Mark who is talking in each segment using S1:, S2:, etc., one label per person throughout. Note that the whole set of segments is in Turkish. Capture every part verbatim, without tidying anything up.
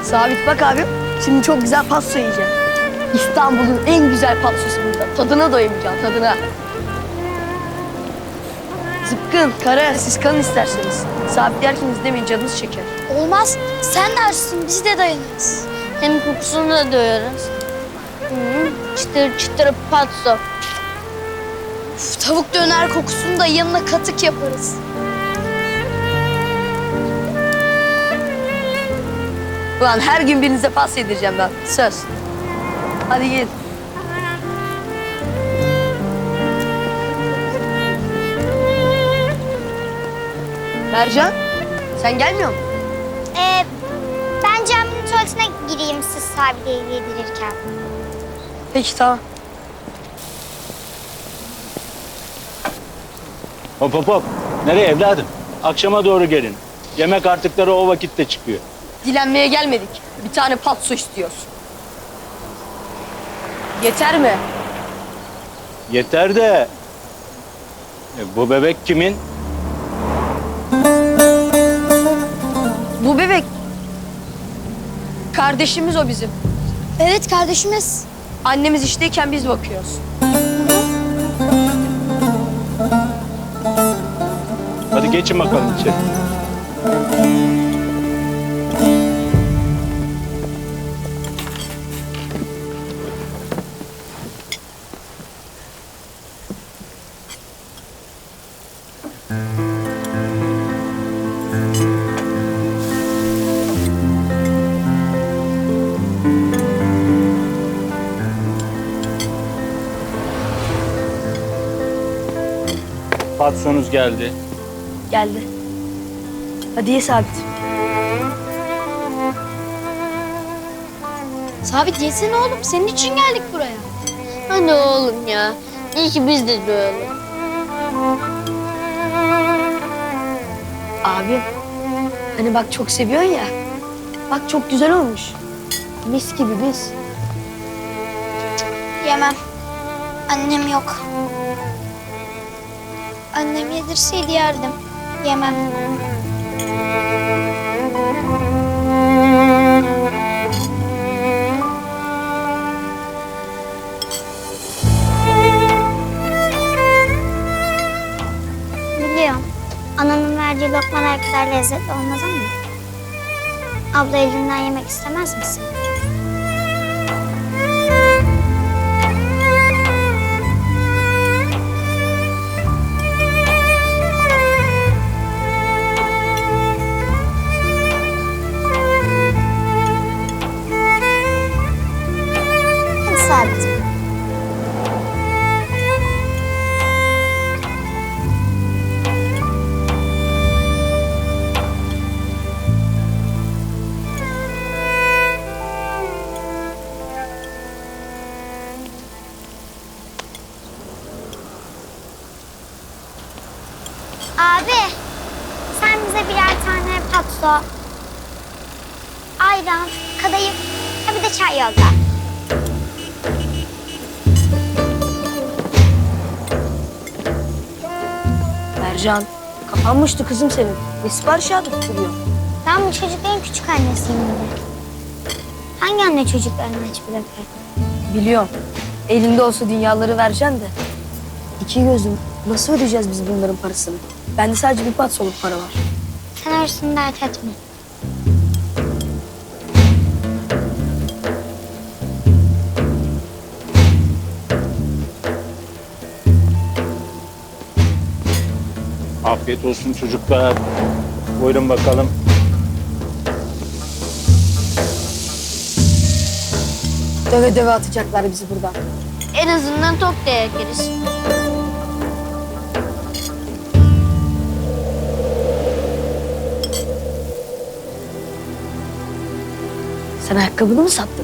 S1: Sabit bak abi. Şimdi çok güzel pasta yiyeceğim. İstanbul'un en güzel pastası burada. Tadına doyamayacağım, tadına. Zıpkın, kara, siz kalın isterseniz. Sabit yerken izlemeyin, canınız çeker.
S2: Olmaz. Sen de açsın, biz de dayanırız.
S3: Hem kokusunu da duyarız. Hı, çıtır çıtır patso.
S2: Uf, tavuk döner kokusunu da yanına katık yaparız.
S1: Ulan her gün birinize pasta yedireceğim ben. Söz. Hadi gel. Mercan, sen gelmiyor musun?
S4: Ee, ben caminin tuvaletine gireyim siz Sabide'yi yedirirken.
S1: Peki, tamam.
S5: Hop hop hop. Nereye evladım? Akşama doğru gelin. Yemek artıkları o vakitte çıkıyor.
S1: Dilenmeye gelmedik. Bir tane patso istiyoruz. Yeter mi?
S5: Yeter de... E, bu bebek kimin?
S1: Bu bebek... Kardeşimiz o bizim.
S2: Evet kardeşimiz.
S1: Annemiz işteyken biz bakıyoruz.
S5: Hadi geçin bakalım içeri. Patsonuz geldi.
S1: Geldi. Hadi ye Sabit.
S2: Sabit yesene oğlum. Senin için geldik buraya.
S3: Hadi oğlum ya. İyi ki biz de doyalım.
S1: Abi, hani bak çok seviyorsun ya. Bak çok güzel olmuş. Mis gibi mis.
S4: Yemem. Annem yok. Annem yedirseydi yerdim. Yemem. Biliyorum. Ananın verdiği lokmalar kadar lezzetli olmaz ama... Abla elinden yemek istemez misin? Hadi Sabit. Abi, sen bize birer tane patso, ayran, kadayıf, ha bir de çay yolla.
S1: Mercan, kapanmıştı kızım senin. Ne sipariş atıp duruyor?
S4: Ben bu çocukların küçük annesiyim dedi. Hangi anne çocuklarını aç bırakır?
S1: Biliyorum. Elinde olsa dünyaları vereceksin de. İki gözüm. Nasıl ödeyeceğiz biz bunların parasını? Bende sadece bir patsoluk para var.
S4: Sen orasını dert etme.
S5: Afiyet olsun çocuklar. Buyurun bakalım.
S1: Döve döve atacaklar bizi buradan.
S3: En azından tok da yeriz.
S1: Sen ayakkabını mı sattın?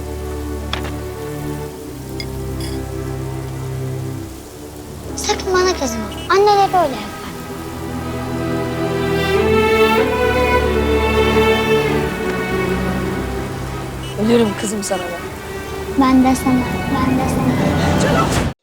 S4: Sakın bana kızma. Anneler öyle yapar.
S1: Ölürüm kızım sana ben.
S4: Ben de sana, ben de sana.